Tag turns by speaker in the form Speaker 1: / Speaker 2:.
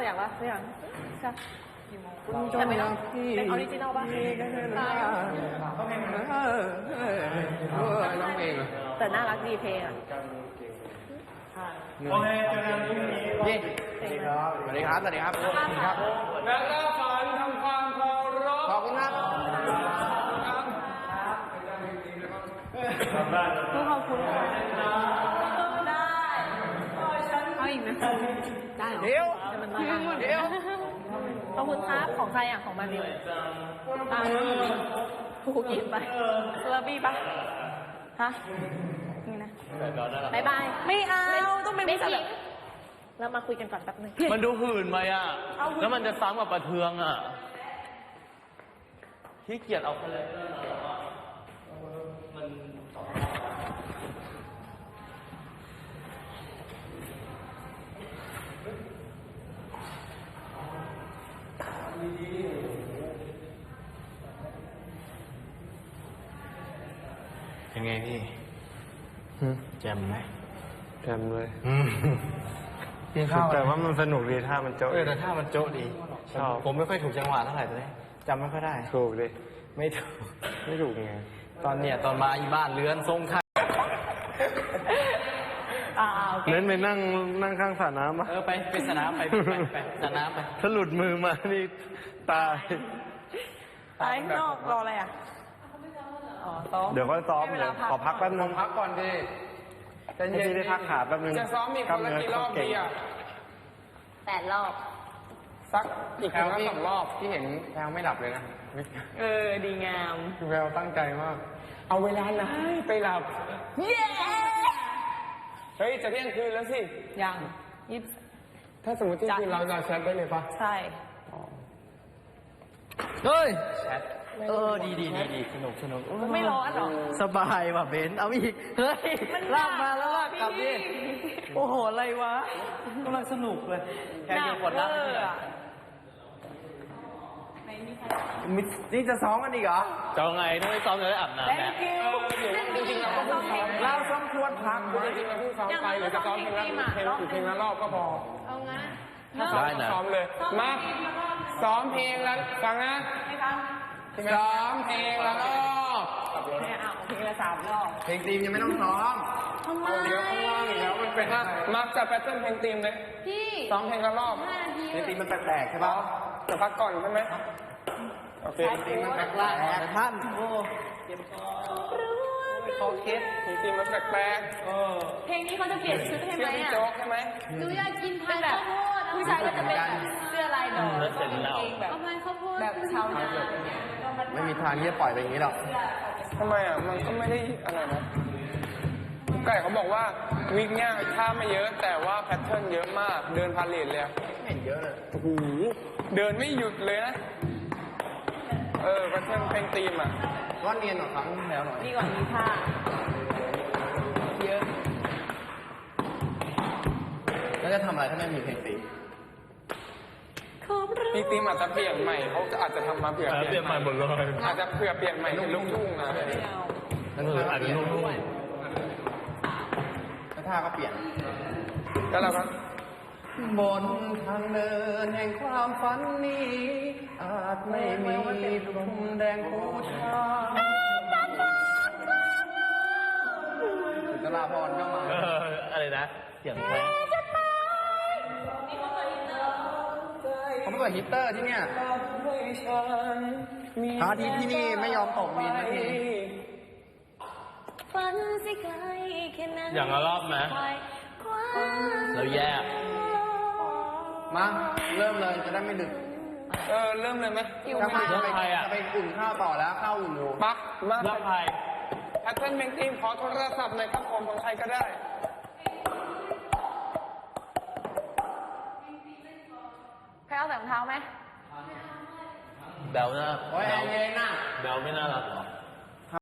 Speaker 1: สักอย่างใช่แต่ไม่ต้องเป็นออริจินอลป่ะ
Speaker 2: ร้องเพลง
Speaker 1: แต่น่ารักดีเพลงอ่ะ
Speaker 3: โอเคเจอกันพรุ่งนี้
Speaker 2: นี่สวัสดีครับสวัสดีครับ
Speaker 3: แล้วก็ฝันทำความเคารพ
Speaker 2: ขอบคุณครับ
Speaker 1: ขอบคุณค่ะได้เอาอีกไหมได้เหรอเดี๋ยวขอบคุณครับของใครอ่ะของมาริวกูกินไปเซอร์บี้ปะฮะนี่นะบายบายไม่เอาต้องเป็นไม่จริงเรามาคุยกันก่อนแป๊บนึง
Speaker 4: มันดูหื่นไปอ่ะแล้วมันจะซ้ำกับประเทืองอ่ะขี้เกียจเอาไปเลยมัน
Speaker 5: ยังไงพี่แจมไหม
Speaker 2: แจมเลย
Speaker 5: แต่ว่ามันสนุกดีท่ามันโจ๊ะ
Speaker 2: แต่ท่ามันโจ๊ะดี
Speaker 5: ชอบผมไม่ค่อยถูกจังหวะเท่าไหร่ตอนนี้จำไม่ค่อยได้
Speaker 2: ถูกดิ
Speaker 5: ไม่ถูกไงตอนมาอีบ้านเลื้อนทรงไทย
Speaker 2: เน้นไปนั่งข้างสระน้ำป่ะ
Speaker 5: ไปสนามไปสนามไป
Speaker 2: ถ้าหลุดมือมานี่ตาย
Speaker 1: ข้างนอกรออะไรอ่ะ
Speaker 2: เดี๋ยวก็ซ้อมเดี๋ยวขอพักแป๊บนึง
Speaker 3: พักก่อนดิ
Speaker 2: จะเย็นได้พักขาแป๊บนึง
Speaker 3: จะซ้อมมีคนละกี่รอบดีอ่ะ
Speaker 1: 8 รอบ
Speaker 3: สักอีกครั้งละ2 รอบที่เห็นแพลวไม่หลับเลยนะ
Speaker 1: ดีงาม
Speaker 3: แพลวตั้งใจมากเอาเวลาไหนไปหลับเฮ้ยจะเที่ยงคืนแล้วสิ
Speaker 1: ยัง
Speaker 3: ถ้าสมมติเที่ยงคืนเราจะแชทได้เลยปะ
Speaker 1: ใช่
Speaker 5: เฮ้ย
Speaker 4: แชท
Speaker 5: ดีสนุก
Speaker 1: ไม่ร้อนหรอ
Speaker 5: สบายว่ะเบนเอาอีกเฮ้ยลากมาแล้วลากกลับดิโอ้โหอะไรวะกำลังสนุกเลยแค่นี้หมดแล้วนี่จะซ้อมกันอีกเหรอ
Speaker 4: จะไงต้องไปซ้อมเลยอาบน้ำนะ
Speaker 3: จริงๆเราก็เพิ่งซ้อม
Speaker 5: เราซ้อมควรพัก
Speaker 3: จริงๆเราเพิ่งซ้อมไปหรือจะซ้อมเพลงละรอบก็พอ
Speaker 1: เอางั้น
Speaker 4: ได้นะ
Speaker 3: ซ้อมเลยมาซ้อมเพลงแล้วฟังนะซ้อมเพลงแล้วก็
Speaker 1: เพลงละ3 รอบ
Speaker 2: เพลงทีมยังไม่ต้องซ้อม
Speaker 1: ทำไม
Speaker 3: เดี๋ยวข้างล่างอีกแล้วมันเป็นมักจะแพทเทิร์นเพลงทีมเลยซ้อมเพลงละรอบ
Speaker 2: เพลงทีมมันแปลกๆใช่ปะ
Speaker 3: จะพักก่อนใช่ไหมโอเค
Speaker 2: เพลงทีมมันแปลกๆ
Speaker 5: ท่านโอ้เจ็บคอเคส
Speaker 3: เพลงทีมมันแปลก
Speaker 1: เพลงนี้เขาจะเปลี่ยนชุดให้ไหมอ่ะ
Speaker 3: โจ๊กใช่ไหม
Speaker 1: หนูอยากกินพายข้าวโพดผู้ชายก็จะเป็นเสื้อลายดอกแบบข้าวโพดแบบชาวนา
Speaker 2: ไม่มีทางที่จะปล่อยไปอย่างนี้หรอก
Speaker 3: ทำไมอ่ะมันก็ไม่ได้อะไรนะไก่เขาบอกว่าวิกเนี่ยท่าไม่เยอะแต่ว่าแพทเทิร์นเยอะมากเดินพาเลทเลย
Speaker 2: เห็นเยอะเลย
Speaker 3: โอ้โหเดินไม่หยุดเลยนะแพทเทิร์นเพลงทีมอ่ะ
Speaker 2: ว่าเนียนกว่าครั้งแล้วหน่อย
Speaker 1: ดีกว่ามีท่าเยอะ
Speaker 2: แล้วจะทำอะไรถ้าไม่มีเพลงตี
Speaker 3: มีทีมอาจจะเปลี่ยนใหม่เขาอาจจะทำมาเปลี่ยน
Speaker 4: ใหม่หมดเลย
Speaker 3: อาจจะเปลี่ยนใหม่เป็นลูกทุ่งนะ
Speaker 4: อาจจะลูกทุ่ง
Speaker 2: แล้วท่าก็เปลี่ยน
Speaker 3: แล้วเราก็
Speaker 2: บนทางเดินแห่งความฝันนี้อาจไม่มีพรมแดงผู้ชายสุนทราภรณ์ก็มา
Speaker 4: อะไรนะเสียงแค่
Speaker 2: เขาไม่เปิดฮิตเตอร์ที่เนี่ยพระอาทิตย์ที่นี่ไม่ยอมตกดินนะที
Speaker 4: อย่างละรอบไหมเราแยก
Speaker 2: มาเริ่มเลยจะได้ไม่ดึก
Speaker 3: เริ่มเลยไหม
Speaker 2: จะไปอุ่นข้าวต่อแล้วข้าวอุ่นอยู่
Speaker 3: ปักมา
Speaker 4: รับใคร
Speaker 3: แพทเทิร์นเพลงทีมขอโทรศัพท์หน่อยครับผมของใครก็ได้
Speaker 1: ใครเอาใส่รองเท้าไหม
Speaker 4: แบลน่า
Speaker 2: โอ้ยเย็นน่ะ
Speaker 4: แบลไม่น่ารักหรอ